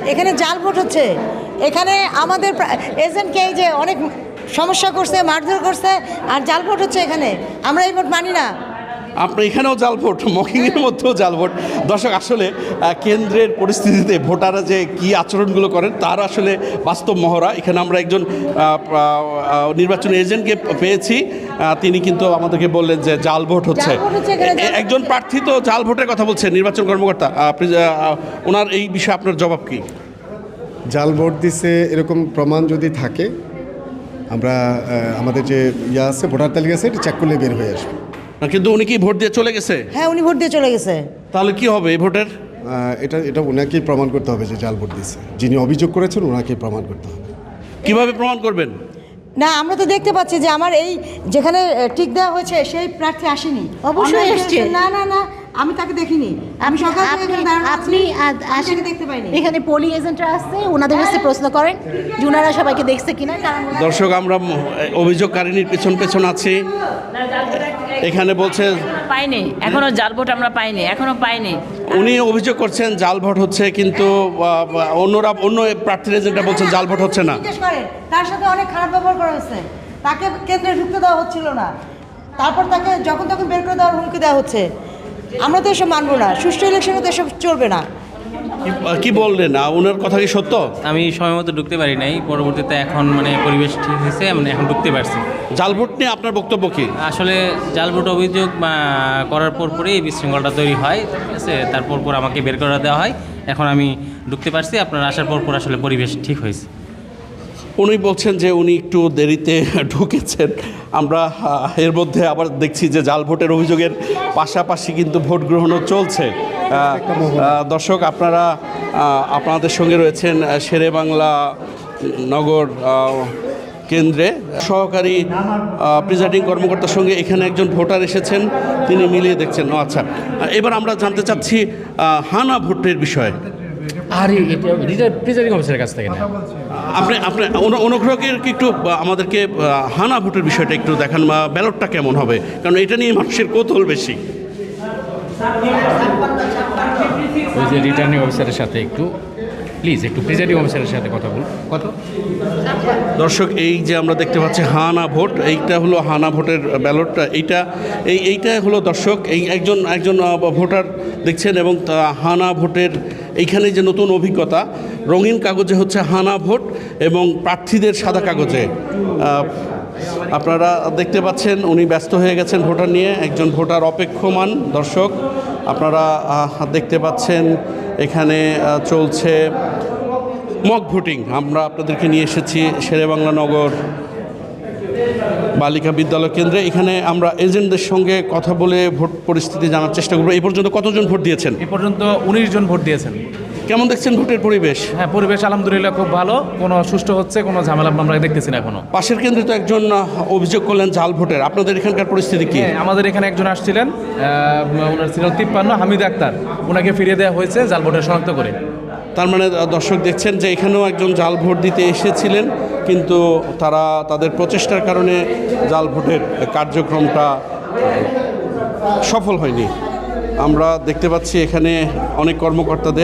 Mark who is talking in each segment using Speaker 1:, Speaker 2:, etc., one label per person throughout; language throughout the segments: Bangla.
Speaker 1: এখানে জাল ভোট হচ্ছে। এখানে আমাদের এজেন্টকে যে অনেক সমস্যা করছে, মারধর করছে, আর জাল ভোট হচ্ছে এখানে। আমরা এই ভোট মানি না।
Speaker 2: আপনার এখানেও জাল ভোট, মকিংয়ের মধ্যেও জাল ভোট। দর্শক, আসলে কেন্দ্রের পরিস্থিতিতে ভোটাররা যে কী আচরণগুলো করেন তার আসলে বাস্তব মহড়া। এখানে আমরা একজন নির্বাচনী এজেন্টকে পেয়েছি, তিনি কিন্তু আমাদেরকে বললেন যে জাল ভোট হচ্ছে। একজন প্রার্থী তো জাল ভোটের কথা বলছেন, নির্বাচন কর্মকর্তা, ওনার এই বিষয়ে আপনার জবাব কী?
Speaker 3: জাল ভোট দিছে এরকম প্রমাণ যদি থাকে, আমরা আমাদের যে আছে ভোটার তালিকা আছে, এটা চেক করলে বের হয়ে আসবে।
Speaker 2: কিন্তু উনি কি ভোট দিয়ে চলে গেছে?
Speaker 1: হ্যাঁ, উনি ভোট দিয়ে চলে গেছে।
Speaker 2: তাহলে কি হবে এই ভোটের?
Speaker 3: এটা ওনাকেই প্রমাণ করতে হবে যে জাল ভোট দিছে। যিনি অভিযোগ করেছেন ওনাকেই প্রমাণ করতে হবে।
Speaker 2: কিভাবে প্রমাণ করবেন?
Speaker 1: না, আমরা তো দেখতে পাচ্ছি যে আমার এই যেখানে টিক দেওয়া হয়েছে সেই প্রার্থী আসেনি।
Speaker 4: অবশ্যই এসছে।
Speaker 1: না না না, আমি তাকে দেখিনি। আমি সকাল থেকে এখানে দাঁড়ানো আছি,
Speaker 4: আপনি
Speaker 1: আসেন দেখতে পাইনি।
Speaker 4: এখানে পোলিং এজেন্টরা আসছে, ওনাদের কাছে প্রশ্ন করেন যে ওনারা সবাইকে দেখছে কিনা।
Speaker 2: দর্শক, আমরা অভিযোগকারিনীর পেছন পেছন আছি। এখানে বলছে
Speaker 5: পাইনি, এখনো জাল ভোট আমরা পাইনি, এখনো পাইনি।
Speaker 2: উনি অভিযোগ করছেন জাল ভোট হচ্ছে, কিন্তু অন্য প্রার্থীর এজেন্টরা বলছেন জাল ভোট হচ্ছে না।
Speaker 1: জিজ্ঞেস করেন, তার সাথে অনেক খারাপ ব্যবহার করা হচ্ছে। তাকে কেন্দ্রে ঢুকতে দেওয়া হচ্ছিল না, তারপর তাকে যখন তখন বের করে দেওয়ার হুমকি দেওয়া হচ্ছে। আমরা তো এসব মানবো না, সুষ্ঠু ইলেকশনে তো এসব চলবে না।
Speaker 2: কি বললেন, ওনার কথা কি সত্য?
Speaker 6: আমি সময় মতো ঢুকতে পারি নাই, পরবর্তীতে এখন পরিবেশ ঠিক হয়েছে, এখন ঢুকতে পারছি।
Speaker 2: জাল ভোট নিয়ে আপনার বক্তব্য কি?
Speaker 6: আসলে জাল ভোট অভিযোগ করার পরই এই বিশৃঙ্খলাটা তৈরি হয়, ঠিক আছে। তারপর আমাকে বের করে দেওয়া হয়, এখন আমি ঢুকতে পারছি। আপনার আসার পর আসলে পরিবেশ ঠিক হয়েছে।
Speaker 2: উনি বলছেন যে উনি একটু দেরিতে ঢুকেছেন। আমরা এর মধ্যে আবার দেখছি যে জাল ভোটের অভিযোগের পাশাপাশি কিন্তু ভোট গ্রহণও চলছে। দর্শক, আপনাদের সঙ্গে রয়েছেন শেরেবাংলা নগর কেন্দ্রে সহকারী প্রিজাইডিং কর্মকর্তার সঙ্গে। এখানে একজন ভোটার এসেছেন, তিনি মিলিয়ে দেখছেন। আচ্ছা, এবার আমরা জানতে চাচ্ছি হানা ভোটের বিষয়ে।
Speaker 7: আর এটা প্রিজাইডিং অফিসারের কাছ থেকে না।
Speaker 2: আপনি অনুগ্রহ করে একটু আমাদেরকে হানা ভোটের বিষয়টা একটু দেখান, ব্যালটটা কেমন হবে, কারণ এটা নিয়ে মানুষের কৌতূহল বেশি।
Speaker 7: ওই যে রিটার্নিং অফিসারের সাথে একটু প্রিজাইডিং অফিসারের সাথে কথা বলুন।
Speaker 2: দর্শক, এই যে আমরা দেখতে পাচ্ছি হানা ভোট, এইটা হলো হানা ভোটের ব্যালটটা। এইটা হলো দর্শক, একজন ভোটার দেখছেন, এবং হানা ভোটের এইখানে যে নতুন অভিজ্ঞতা, রঙিন কাগজে হচ্ছে হানা ভোট এবং প্রার্থীদের সাদা কাগজে। আপনারা দেখতে পাচ্ছেন উনি ব্যস্ত হয়ে গেছেন ভোটার নিয়ে, একজন ভোটার অপেক্ষমান। দর্শক, আপনারা দেখতে পাচ্ছেন এখানে চলছে মক ভোটিং। আমরা আপনাদেরকে নিয়ে এসেছি শেরেবাংলা নগর বালিকা বিদ্যালয় কেন্দ্রে। এখানে আমরা এজেন্টদের সঙ্গে কথা বলে ভোট পরিস্থিতি জানার চেষ্টা করবো। এই পর্যন্ত কতজন ভোট দিয়েছেন?
Speaker 8: এ পর্যন্ত 19 জন ভোট দিয়েছেন।
Speaker 2: কেমন দেখছেন ভোটের পরিবেশ?
Speaker 8: হ্যাঁ, পরিবেশ আলহামদুলিল্লাহ খুব ভালো, কোনো সুষ্ঠু হচ্ছে, কোনো ঝামেলা আমরা দেখতেছি না এখনো।
Speaker 2: পাশের কেন্দ্রে তো একজন অভিযোগ করলেন জাল ভোটের, আপনাদের এখানকার পরিস্থিতি কি?
Speaker 8: আমাদের এখানে একজন আসছিলেন, ওনার ছিল 53 হামিদ আক্তার, ওনাকে ফিরিয়ে দেওয়া হয়েছে জাল ভোটের শনাক্ত করে।
Speaker 2: তার মানে দর্শক দেখছেন যে এখানেও একজন জাল ভোট দিতে এসেছিলেন, কিন্তু তাদের প্রচেষ্টার কারণে জাল ভোটের কার্যক্রমটা সফল হয়নি। আমরা দেখতে পাচ্ছি এখানে অনেক কর্মকর্তাদের,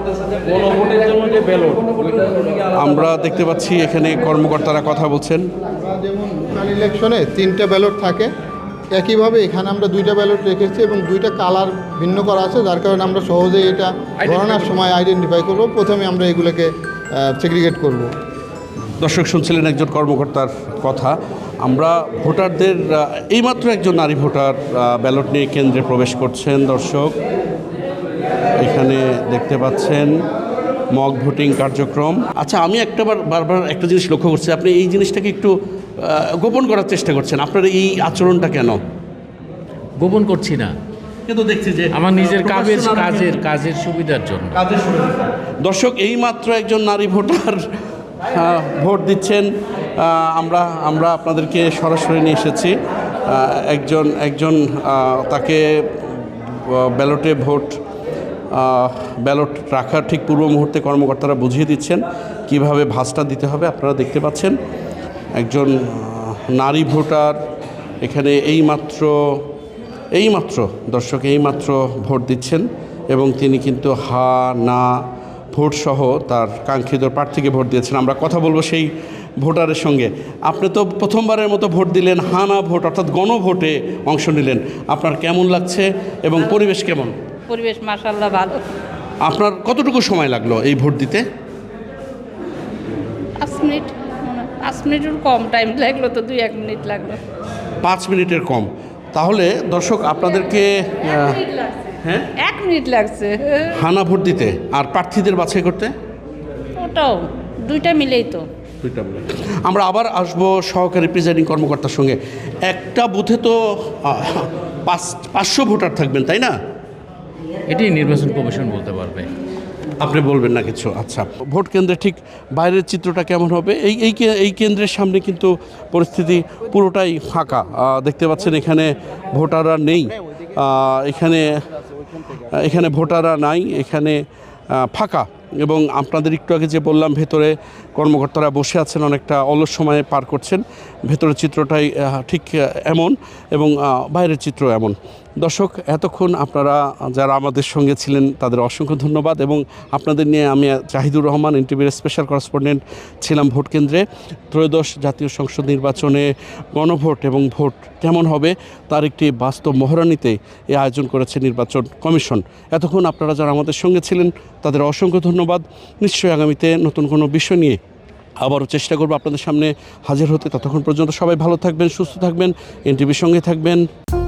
Speaker 2: আমরা দেখতে পাচ্ছি এখানে কর্মকর্তারা কথা বলছেন।
Speaker 9: যেমন লোকাল ইলেকশনে 3টে ব্যালট থাকে, একইভাবে এখানে আমরা 2টা ব্যালট রেখেছি এবং 2টা কালার ভিন্ন করা আছে, যার কারণে আমরা সহজেই এটা গণনার সময় আইডেন্টিফাই করব। প্রথমে আমরা এগুলোকে সেগ্রিগেট করব।
Speaker 2: দর্শক, শুনছিলেন একজন কর্মকর্তার কথা। আমরা ভোটারদের, এইমাত্র একজন নারী ভোটার ব্যালট নিয়ে কেন্দ্রে প্রবেশ করছেন। দর্শক, এখানে দেখতে পাচ্ছেন মক ভোটিং কার্যক্রম। আচ্ছা, আমি বারবার একটা জিনিস লক্ষ্য করছি, আপনি এই জিনিসটাকে একটু গোপন করার চেষ্টা করছেন। আপনার এই আচরণটা কেন?
Speaker 7: গোপন করছি না,
Speaker 2: কিন্তু দেখছি যে
Speaker 7: আমার নিজের কাজের সুবিধার জন্য।
Speaker 2: দর্শক, এইমাত্র একজন নারী ভোটার ভোট দিচ্ছেন। আমরা আপনাদেরকে সরাসরি নিয়ে এসেছি। একজন তাকে ব্যালট রাখার ঠিক পূর্ব মুহূর্তে কর্মকর্তারা বুঝিয়ে দিচ্ছেন কিভাবে ভাঁজটা দিতে হবে। আপনারা দেখতে পাচ্ছেন একজন নারী ভোটার এখানে এইমাত্র দর্শক ভোট দিচ্ছেন, এবং তিনি কিন্তু হা না ভোট সহ তার কাঙ্ক্ষিত প্রার্থীকে ভোট দিয়েছেন। আমরা কথা বলবো সেই ভোটারের সঙ্গে। আপনি তো প্রথমবারের মতো ভোট দিলেন, হানা ভোট অর্থাৎ গণভোটে অংশ নিলেন। আপনার কেমন লাগছে এবং পরিবেশ কেমন?
Speaker 5: পরিবেশ মাশাআল্লাহ ভালো।
Speaker 2: আপনার কতটুকু সময় লাগলো এই ভোট দিতে?
Speaker 5: 5 মিনিট, 5 মিনিটের কম টাইম লাগলো, তো 2-1 মিনিট লাগলো।
Speaker 2: 5 মিনিটের কম। তাহলে দর্শক আপনাদেরকে হ্যাঁ
Speaker 5: 1 মিনিট লাগছে
Speaker 2: হানা ভোট দিতে আর প্রার্থীদের বাছাই করতে?
Speaker 5: ওটাও দুইটা মিলেই তো।
Speaker 2: আমরা আবার আসবো সহকারী প্রিজাইডিং কর্মকর্তার সঙ্গে। একটা বুথে তো 500 ভোটার থাকবেন, তাই না?
Speaker 7: এটি নির্বাচন কমিশন বলতে পারবে।
Speaker 2: আপনি বলবেন না কিছু? আচ্ছা, ভোট কেন্দ্রে ঠিক বাইরের চিত্রটা কেমন হবে? এই কেন্দ্রের সামনে কিন্তু পরিস্থিতি পুরোটাই ফাঁকা। দেখতে পাচ্ছেন এখানে ভোটাররা নেই, এখানে ভোটাররা নাই, এখানে ফাঁকা। এবং আপনাদের একটু আগে যে বললাম ভেতরে কর্মকর্তারা বসে আছেন, অনেকটা অলস সময়ে পার করছেন। ভেতরের চিত্রটাই ঠিক এমন এবং বাইরের চিত্র এমন। দর্শক, এতক্ষণ আপনারা যারা আমাদের সঙ্গে ছিলেন তাদের অসংখ্য ধন্যবাদ। এবং আপনাদের নিয়ে আমি জাহিদুর রহমান, এনটিভির স্পেশাল করেসপন্ডেন্ট ছিলাম ভোট কেন্দ্রে। ত্রয়োদশ জাতীয় সংসদ নির্বাচনে গণভোট এবং ভোট কেমন হবে তার একটি বাস্তব মহড়া নিতে এই আয়োজন করেছে নির্বাচন কমিশন। এতক্ষণ আপনারা যারা আমাদের সঙ্গে ছিলেন তাদের অসংখ্য ধন্যবাদ। নিশ্চয়ই আগামীতে নতুন কোনো বিষয় নিয়ে আবারও চেষ্টা করব আপনাদের সামনে হাজির হতে। ততক্ষণ পর্যন্ত সবাই ভালো থাকবেন, সুস্থ থাকবেন, এনটিভির সঙ্গে থাকবেন।